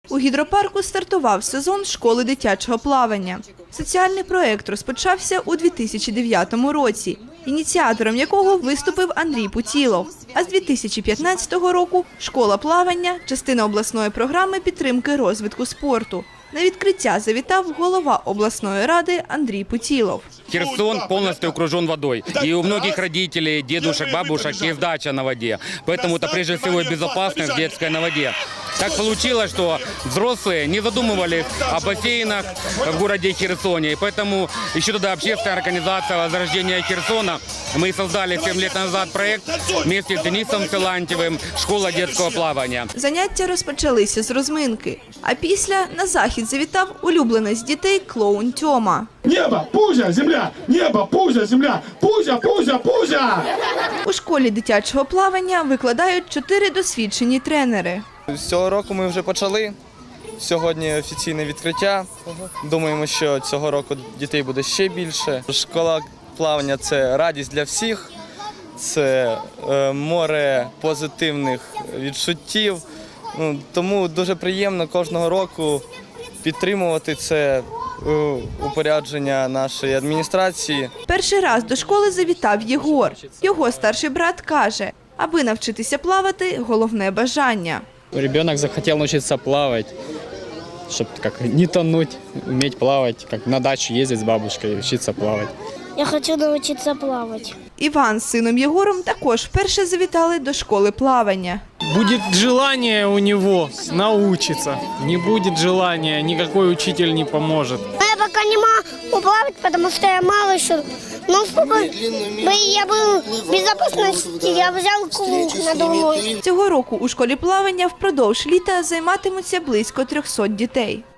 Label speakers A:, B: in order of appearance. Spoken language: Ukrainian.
A: У гідропарку стартував сезон школи дитячого плавання. Соціальний проєкт розпочався у 2009 році, ініціатором якого виступив Андрій Путілов. А з 2015 року школа плавання – частина обласної програми підтримки розвитку спорту. На відкриття завітав голова обласної ради Андрій Путілов.
B: Херсон полностью окружен водой. И у многих родителей, дедушек, бабушек есть дача на воде. Поэтому это прежде всего безопасность детская на воде. Так получилось, что взрослые не задумывались о бассейнах в городе Херсоне. И поэтому еще тогда общественная организация возрождения Херсона, мы создали 7 лет назад проект вместе с Денисом Силантьевым «Школа детского плавания».
A: Заняття розпочалися з розминки. А після на захід завітав улюбленець дітей клоун Тьома.
C: Небо, пузя, земля! Небо, пузя, земля! Пузя, пузя, пузя!
A: У школі дитячого плавання викладають 4 досвідчені тренери.
D: З цього року ми вже почали. Сьогодні офіційне відкриття. Думаємо, що цього року дітей буде ще більше. Школа плавання – це радість для всіх, це море позитивних відчуттів. Тому дуже приємно кожного року підтримувати це упорядження нашої адміністрації.
A: Перший раз до школи завітав Єгор. Його старший брат каже, аби навчитися плавати – головне бажання.
E: Ребенок захотел научиться плавать, чтобы не тонуть, уметь плавать, как на дачу ездить с бабушкой, учиться плавать.
F: Я хочу научиться плавать.
A: Іван з сином Єгором також вперше завітали до школи плавання.
G: Будет желание у него научиться. Не будет желания, никакой учитель не поможет.
F: Я пока не могу плавать, потому что я мало еще. Но чтобы я был в безопасности, я взял круг надувной.
A: Цього року у школі плавання впродовж літа займатимуться близько 300 дітей.